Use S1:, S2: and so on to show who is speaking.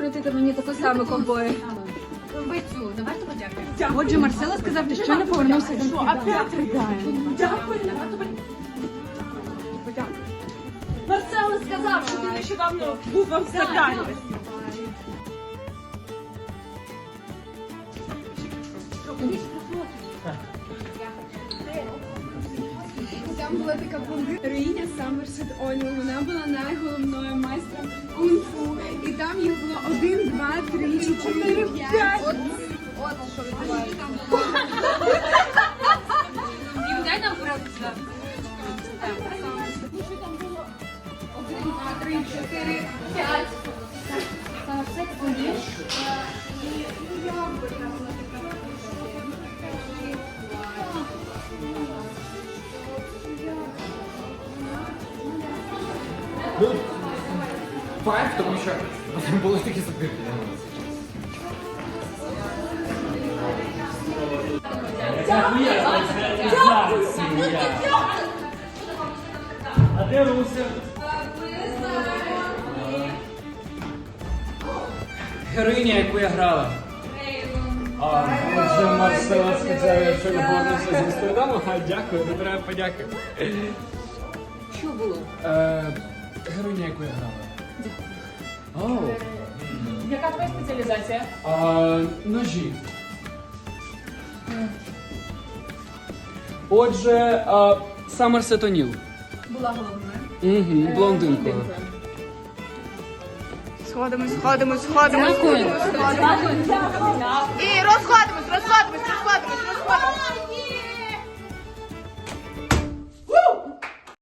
S1: скрутити мені таку саму ковбою.
S2: Ви цю, давайте подякуємо.
S1: Отже, Марсело сказав, ти ще не повернувся до
S2: Опять ридаємо. Дякую. Марсело сказав, що ти нещодавно був в Амстердамі.
S1: Там була така героїня Саммерсет Олі. Вона була найголовною майстром кунг-фу. І там їх було 1, 2, 3, 4, 5. От що відбувається.
S2: Дім, дай нам правду сюди.
S1: Там було 1, 2, 3, 4, 5. Саммерсет Олі.
S3: Ну, 5, тому що були такі сапірки.
S4: А де Руся?
S3: Героїня, яку я грала.
S4: Отже, Марсело сказав, якщо ви повернувся з Амстердаму, дякую, не треба подяки.
S3: Що було? Героїня, яку я грала. Оу.
S2: Яка твоя спеціалізація?
S3: Ножі. Отже, Саммерсет О'Ніл.
S2: Була головною.
S3: Угу, блондинкою.
S1: Сходимось. І розходимось.